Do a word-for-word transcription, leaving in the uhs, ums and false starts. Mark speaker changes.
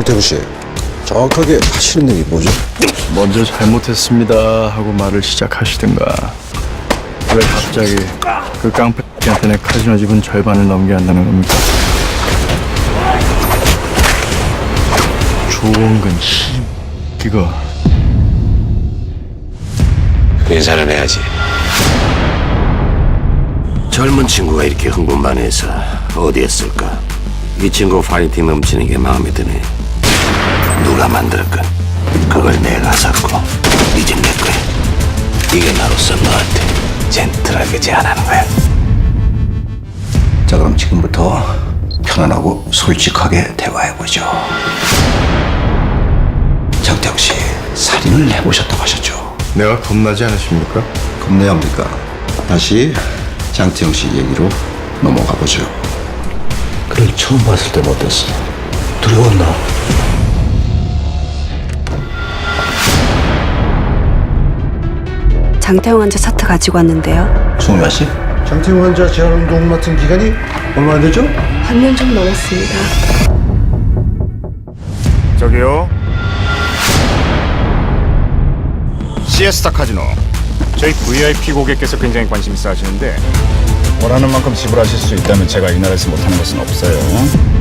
Speaker 1: 장태구 씨, 정확하게 하시는 일이 뭐죠?
Speaker 2: 먼저 잘못했습니다 하고 말을 시작하시든가. 왜 갑자기 그 깡패한테 내 카지노 지분 절반을 넘겨야 한다는 겁니까? 조원근 씨, 이거
Speaker 3: 인사는 해야지. 젊은 친구가 이렇게 흥분만 해서 어디에 쓸까? 이 친구 파이팅 넘치는 게 마음에 드네. 누가 만들었건 그걸 내가 샀고 이제 내 거야. 이게 나로서 너한테 젠틀하게 제안하는 거야.
Speaker 4: 자, 그럼 지금부터 편안하고 솔직하게 대화해보죠. 장태욱 씨, 살인을 해보셨다고 하셨죠?
Speaker 2: 내가 겁나지 않으십니까?
Speaker 4: 겁내야 합니까? 다시 장태욱 씨 얘기로 넘어가 보죠. 그를 처음 봤을 땐 어땠어? 두려웠나?
Speaker 5: 장태웅 환자 차트 가지고 왔는데요.
Speaker 4: 송유아 씨?
Speaker 1: 장태구 환자 재활운동 맡은 기간이 얼마 안 되죠?
Speaker 5: 반년 좀 넘었습니다.
Speaker 6: 저기요. 시에스타 카지노. 저희 브이아이피 고객께서 굉장히 관심 있어 하시는데 원하는 만큼 지불하실 수 있다면 제가 이 나라에서 못하는 것은 없어요.